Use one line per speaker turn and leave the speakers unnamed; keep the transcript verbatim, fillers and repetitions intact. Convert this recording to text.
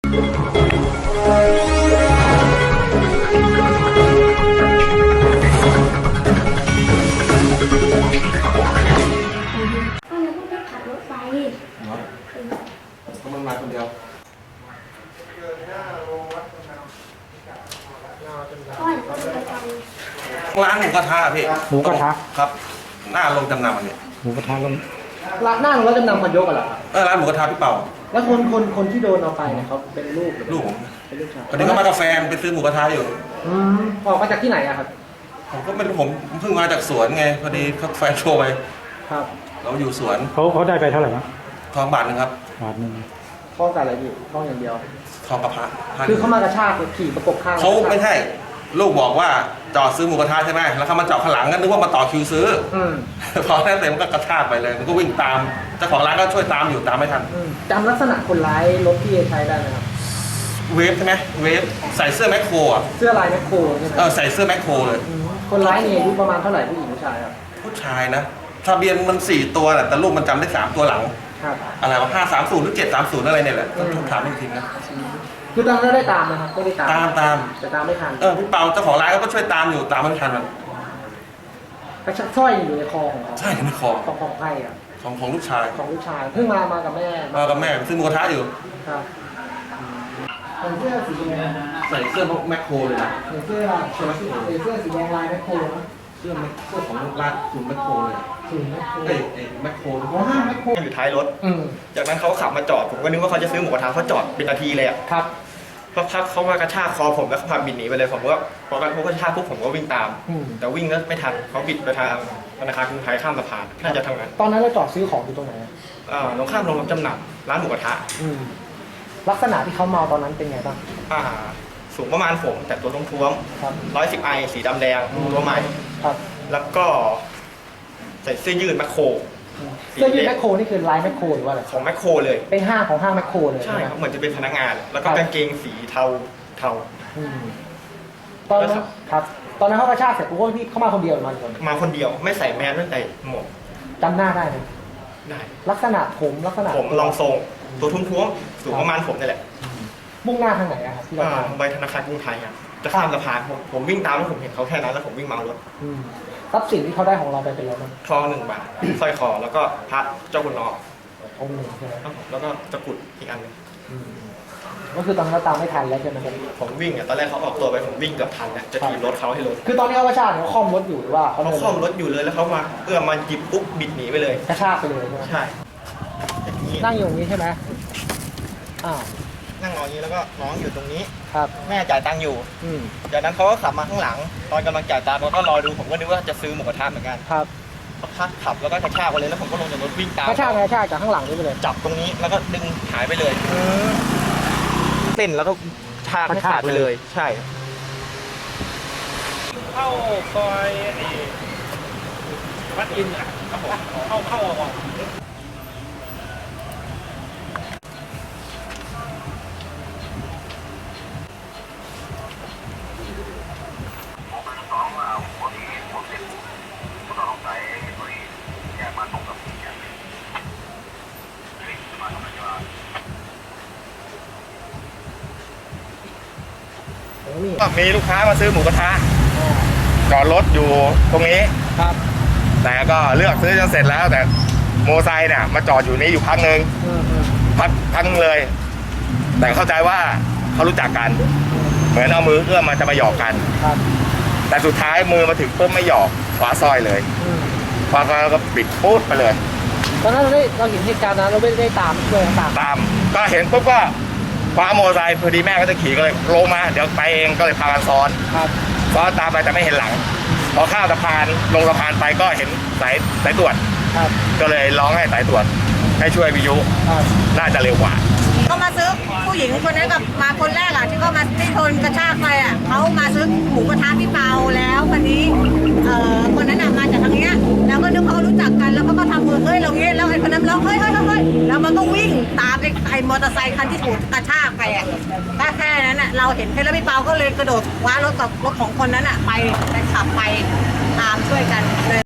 ขับรถไป
เนาะก็มันมาคนเดียวร้านหมูกระทะพี่
หมูกระทะ
ครับหน้าลงจำนำอันนี้
หมูกระทะลง
ร้านหน้าเราจำนำมันยกกันเหรอครับ
เออร้านหมูกระทะพี่เป่า
แล้วคนคนคนที่โดนเอาไปเนี่ยเขาเป็นลูกหรือ
ลูกผม
เป็นลูกชาย
ตอนนี้ก็มากาแฟไปซื้อหมูกระทะอยู่
อืมออกมาจากที่ไหนอะครับ
ผมก็ไม่รู้ผมเพิ่งมาจากสวนไงพอดีเขาแฟนโทรไป
ครับ
เราอยู่สวน
เขาเขาได้ไปเท่าไหร่นะ
ทองบาทนึงครับ
บาทนึง
ท้องกับอะไรอยู่ท้องอย่างเดียว
ทองกระพะ
คือเขามากระชากขี่ประกบข้าง
เขาไม่ใช่ลูกบอกว่าจอดซื้อหมูกระทะใช่ไหมแล้วเขามาจอดข้างหลังก็นึกว่ามาต่อคิวซื้อพอแค่เต็มก็กระชากไปเลยมันก็วิ่งตามเจ้าของร้านก็ช่วยตามอยู่ตามไม่ทัน
จำลักษณะคนร้ายรถที่ใช้ได้ไหมครับ
เวฟใช่ไหมเวฟใส่เสื้อแมคโครอ่ะ
เสื้อลายแมคโคร
เออใส่เสื้อแมคโครเลย
คนร้ายเนี่ยอายุประมาณเท่าไหร่ผู้หญิงผู้ชายครับ
ผู้ชายนะทะเบียนมันสี่ตัวแหละแต่ลูกมันจำได้สามตัวหลังอะไรวะห้าสามศูนย์หรือเจ็ดสามศูนย์อะไรเนี่ยแหละต้องถามจริงๆนะ
คือตอนนั้นได้ตามนะครับไม่ได้ตาม
ตามตาม
แต่ตามไม่ทัน
เออพี่เปาเจ้าของร้านก็ช่วยตามอยู่ตามไม่ทันมัน
กระชักสร้อยอยู่ในคอของเขา
ใช่ในคอ
ของของใครอ่ะ
ของของลูกชาย
ของลูกชายเพิ่งมามากับแม่
มากับแม่ซื้อหมูกระทะอยู่
ครับใส่เสื้อสีแดง
ใส่เสื้อแมคโครเลยนะ
ใส่เสื้อใส่เสื้อสีแดงลายแมคโคร
เสื้อเสื้อของร้านศูนย์แมคโครเลย
ศูนย์แมคโคร
เอ้ยแมคโคร
อ๋อห้างแมคโคร
อยู่ท้ายรถจากนั้นเขาขับมาจอดผมก็นึกว่าเขาจะซื้อหมูกระทะเขาจอดเป็นนาทีเลยอ่ะ
ครับ
พอพักเขามากระชากคอผมแล้วเขาพาบิดหนีไปเลยผมก็พอกันเขากระชากปุ๊บผมก็วิ่งตามแต่วิ่งแล้วไม่ทันเขาบิดไปทางธนาคารกรุงไทยข้ามสะพานน่าจะทำงาน
ตอนนั้นเราจอดซื้อของอยู่ตรงไหน
อ่าตรงข้ามโรงรับจำนำร้านหมูกระทะ
ลักษณะที่เขาเมาตอนนั้นเป็นไงบ้าง
อ่าสูงประมาณผมแต่ตัวท้วมๆร้อยสิบไอสีดำแดงตัวใหม่แล้วก็ใส่เสื้อยืดแมคโคร
เสื้อยืดแมคโครนี่คือลายแมคโครหรือว่าอะไร
ของแมคโครเลย
เป็นห้างของห้างแมคโครเลย
ใช่ครับเหมือนจะเป็นพนักงานแล้วก็กางเกงสีเทาเทา
ตอนนั้นครับตอนนั้นเขากระชากเสร็จปุ๊บพี่เข้ามาคนเดียวมาคน
มาคนเดียวไม่ใส่แมสไม่ใส่หมวก
จำหน้าได้ไหม
ได้
ลักษณะผมลักษณะ
ผมลองทรงตัวท้วมๆสูงประมาณผมนี่แหละ
มุ่งหน้าทางไหนอะครับที่เรา
ไปธนาคารกรุงไทยครับจะข้ามสะพานผมผมวิ่งตามแล้วผมเห็นเขาแค่นั้นแล้วผมวิ่งเมารถ
ทรัพย์สินที่เขาได้ของเราไปเป็นอะไรบ้าง
ทองหนึ่งบาทสร้อยคอแล้วก็พระเจ้าคุณนอ
องค์หนึ่งใช่ไหม
แล้วก็ตะกุดอีกอันนึง
ก็คือตอนนั้นเราตามไม่ทันแล้วใช่ไหมครับ
ผมวิ่งอ่ะตอนแรกเขาออกตัวไปผมวิ่งเกือบทันเนี่ยจะถีบรถเขาให้รถ
คือตอนนี้เขากระชากเขาคล่อมรถอยู่หรือว่า
เขาคล่อมรถอยู่เลยแล้วเขามาเอื้อมมาหยิบปุ๊บบิดหนีไปเลย
กระชากไปเลยใช่นั่งอยู่ตรงนี้ใช่ไหมอ้าว
นั่งนอนนี้แล้วก็น้องอยู่ตรงนี้
ครับ
แม่จ่ายตังค์อยู่จากนั้นเขาก็ขับมาข้างหลังตอนกำลังจ่ายตังค์เขาก็รอดูผมก็นึกว่าจะซื้อหมูกระทะเหมือนกัน
ครับ
เขาขับแล้วก็กระชากไปเลยแล้วผมก็ลงจากรถวิ่งตาม
กระชากกระชากจากข้างหลังนี่ไปเลย
จับตรงนี้แล้วก็ดึงหายไปเลยเต้นแล้วก็ชากให้ขาดไปเลยใช่
เข้าซอยวัดอินอ่ะครับผมเข้าเข้าออก
มีลูกค้ามาซื้อหมูกระทะจอดรถอยู่ตรงนี้
ครับ
แต่ก็เลือกซื้อจนเสร็จแล้วแต่โมไซค์เนี่ยมาจอดอยู่นี้อยู่พักหนึ่งพักพักเลยแต่เข้าใจว่าเขารู้จักกันเหมือนเอามือเอื้อมมาจะมาหยอกกันแต่สุดท้ายมือมาถึงปุ๊บไม่หยอกคว้าสร้อยเลยคว้าแล้วก็ปิดปุ๊บไปเลย
ตอนนั้นเราได้เราเห็นเหตุการณ์นั้นเราไม่ได้ตามด้วยตาม
ตามก็เห็นปุ๊บก็คว้าโมไซค์พอดีแม่ก็จะขี่ก็เลยลงมาเดี๋ยวไปเองก็เลยพากันซ้อนซ้อนตามไปแต่ไม่เห็นหลังพอข้ามสะพานลงสะพานไปก็เห็นสายสายตรวจก็เลยร้องให้สายตรวจให้ช่วยวิทยุน่าจะเร็วกว่า
ก็มาซื้อผู้หญิงคนนั้นกับมาคนแรกอ่ะที่ก็มาที่ทนกระชากไปอ่ะเขามาซื้อหมูกระทะพี่เปาแล้วคนนี้เอ่อคนนั้นอ่ะมาจากทางเนี้ยแล้วก็นึกเขารู้จักกันแล้วก็ทำมือเฮ้ยเราเงี้ยแล้วไอ้คนนั้นร้องเฮ้ยเฮ้ยเฮ้ยแล้วมันก็วิ่งตามไอ้ไอ้มอเตอร์ไซค์คันที่ถูกกระชากไปอ่ะแค่แค่นั้นอ่ะเราเห็นแค่แล้วพี่เปาก็เลยกระโดดคว้ารถกับรถของคนนั้นอ่ะไปไปขับไปตามช่วยกันเลย